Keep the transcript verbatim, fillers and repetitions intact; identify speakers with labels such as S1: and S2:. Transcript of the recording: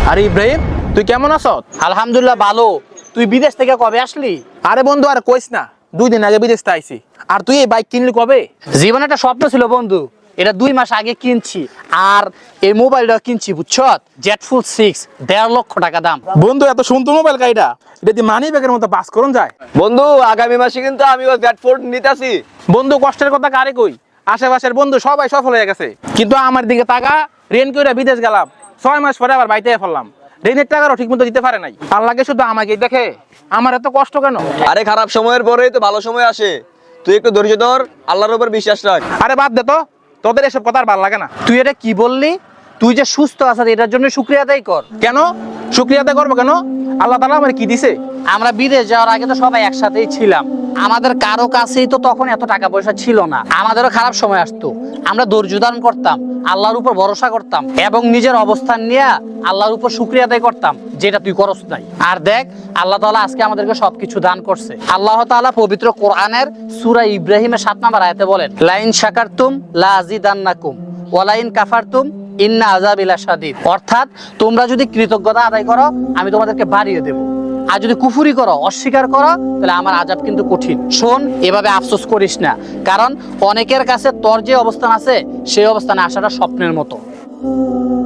S1: আরে ইব্রাহিম, তুই কেমন আছো?
S2: আলহামদুলিল্লাহ ভালো। তুই বিদেশ থেকে কবে আসলি?
S1: আরে বন্ধু আর কইস না, দুই দিন আগে বিদেশ থেকে আইছি। আর তুই এই বাইক কিনলি কবে?
S2: জীবনে একটা স্বপ্ন ছিল বন্ধু, এটা দুই মাস আগে কিনছি। আর এই মোবাইলটা কিনছি বুঝছো, জেড ফুল সিক্স, দেড় লক্ষ টাকা দাম।
S1: বন্ধু এত সুন্দর মোবাইল গাড়িটা, এটা দিয়ে মানি ব্যাগের মতো পাস করুন যায়।
S3: বন্ধু আগামী মাসে কিন্তু আমিও জেড ফোর্ড নিতেছি।
S1: বন্ধু কষ্টের কথা কারে কই, আশেপাশের বন্ধু সবাই সফল হয়ে গেছে, কিন্তু আমার দিকে টাকা রেন করে বিদেশ গেলাম, ছয় মাস পরে আবার বাড়িতে ফেললাম। ঋণের টাকারও ঠিক মতো দিতে পারে নাই। আল্লাহকে শুধু আমাকে দেখে, আমার এত কষ্ট কেন?
S3: আরে খারাপ সময়ের পরেই তো ভালো সময় আসে, তুই একটু ধৈর্য ধর, আল্লাহর উপর বিশ্বাস রাখ।
S1: আরে বাদ দে তো, তোদের এসব কথা আর ভালো লাগে না।
S2: তুই এটা কি বললি? তুই যে সুস্থ আছিস এটার জন্য শুকরিয়া আদায় কর।
S1: কেন শুক্রিয়া আদায় করবো কেন? আল্লাহ তাআলা আমার কি দিছে?
S2: আমরা বিদেশ যাওয়ার আগে তো সবাই একসাথেই ছিলাম, আমাদের কারো কাছেই তো তখন এত টাকা পয়সা ছিল না। আমাদেরও খারাপ সময় আসতো, আমরা ধৈর্য ধারণ করতাম, আল্লাহর উপর ভরসা করতাম এবং নিজের অবস্থান নিয়ে আল্লাহর উপর শুকরিয়া আদায় করতাম, যেটা তুই করস নাই। আর দেখ, আল্লাহ তাআলা আজকে আমাদেরকে সবকিছু দান করছে। আল্লাহ তাআলা পবিত্র কোরআনের সূরা ইব্রাহিমের সাত নম্বর আয়াতে বলেন, লাইন শাকারতুম লা আযীদান্নাকুম ওয়া লাইন কাফারতুম ইন্না আযাবি লাশাদীদ। অর্থাৎ তোমরা যদি কৃতজ্ঞতা আদায় করো আমি তোমাদেরকে বাড়িয়ে দেব, আর যদি কুফরি করো, অস্বীকার করো, তাহলে আমার আযাব কিন্তু কঠিন। শোন, এভাবে আফসোস করিস না, কারণ অনেকের কাছে তোর যে অবস্থান আছে সেই অবস্থানে আসাটা স্বপ্নের মতো।